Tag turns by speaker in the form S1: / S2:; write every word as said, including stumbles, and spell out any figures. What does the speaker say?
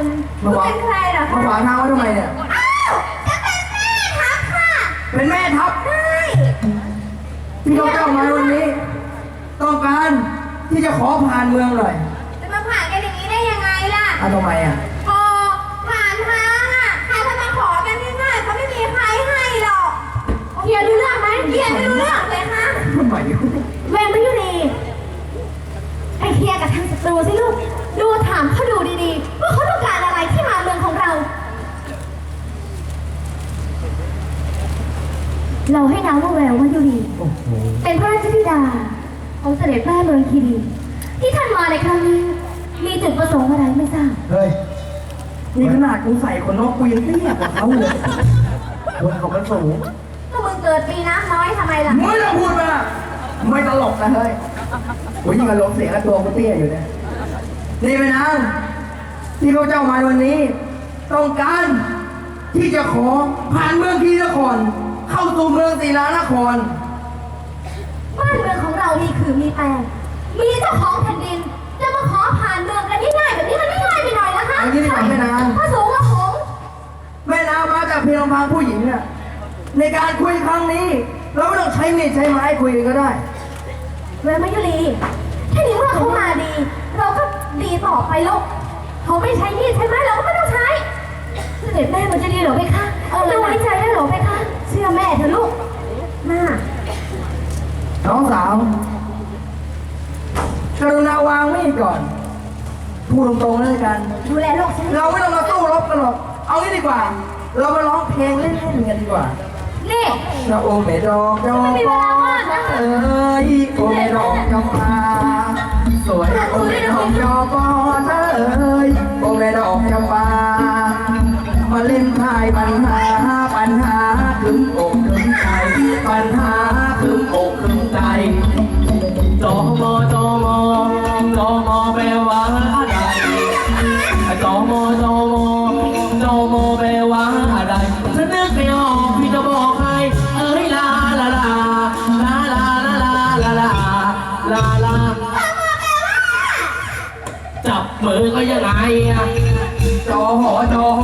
S1: คนคุณเป็นใครเหรอคะ
S2: มาขวางทางไว้ทำไมเนี่ย
S1: อ้าวจะเป็นแม่ทัพค่ะ
S2: เป็นแม่ทัพ
S1: ใช่
S2: ที่เขาเจ้ามาวันนี้ ต้องการที่จะขอผ่านเมืองหน่อย
S1: จะมาผ่านกันอย่างนี้ได้ยังไงล่ะ
S2: อ่ะทำไมอ่ะ
S1: พอผ่านทางอ่ะใครจะมาขอกันง่ายๆเขาไม่มีใครให้หรอกเฮียรู้เรื่องไหมเฮียไม่รู้เรื่องเลยค่ะ
S2: ทำไม
S1: เวรมยุรีไปเคลียร์กับทางศัตรูสิลูก ดูถามเขาดูดีๆว่าเขาต้องการอะไรที่มาเมืองของเรา เราให้นามว่าแวววยุรี
S2: โอ้โห
S1: เป็นพระราชธิดาของเสด็จแม่เมืองคีรีที่ท่านมาในครั้งนี้ มีจุดประสงค์อะไรไม่ทราบ
S2: เฮ้ยนี่ขนาดกูใส่ขนนกกูยังเตี้ยกว่าเขาเลยคนเขามันสูง
S1: ก็มึงเกิดปีน้ำน้อยทำไมล่ะ
S2: ไม่ต้องพูดมาไม่ตลกนะเฮ้ยโอ้ยยิ่งกับลมเสียงกับตัวกูเตี้ยอยู่เนี่ยนี่ไปนางที่เขาเจ้ามาวันนี้ ต้องการที่จะขอผ่านเมืองคีนครเข้าสู่เมืองศรีลานคร
S1: บ้านเมืองของเรามีคือมีแปลงมีเจ้าของแผ่นดิน จะมาขอผ่านเมืองกันง่ายๆแบบนี้มันไม่ง่ายไปหน่อยนะคะ
S2: อันนี้ดีกว่าแม่นาง
S1: พระสูงพระผง
S2: แม่นางมาจากเพียงลำพังผู้หญิงเนี่ยในการคุยครั้งนี้ เราไม่ต้องใช้มีดใช้ไม้คุยกันก็ได้
S1: เวรมยุรีถ้าดีว่าเขามาดี เราก็ดีต่อไปลูกเขาไม่ใช้มีดใช้ไม้เราก็ไม่ต้องใช้เสด็จแม่มันจะดีเหรอไหมคะจะไว้ใจได้เหรอไหมคะเชื่อแม่เถอะลูกน่า
S2: น้องสาวกรุณาวางมีดก่อนพูดตรงๆเลยกัน
S1: ดูแลลูกฉัน
S2: เราไม่ต้องมาสู้รบกันหรอกเอางี้ดีกว่า เรามาร้องเพลงเล่นๆกันดีกว่า
S1: นี่
S2: นะโอเมดอกจอมปอเอ้ยโอเมดอกจอมปาสวยโอเมดอกจอมปอเอ้ยโอเมดอกจอมปามาเล่นทายปัญหาปัญหาถึงอกถึงใจปัญหาถึงอกถึงใจ
S3: จอมอจอมอจอมอแปลว่าอะไรจอมอจอมอจอมอแปลว่าอะไรฉันนึกไม่ออกพี่จะบอกใครเอ้ยลาลาลาลาลาลาลาลาลาลาจับมือก็ยังไงอะ
S2: จอหอจอหอ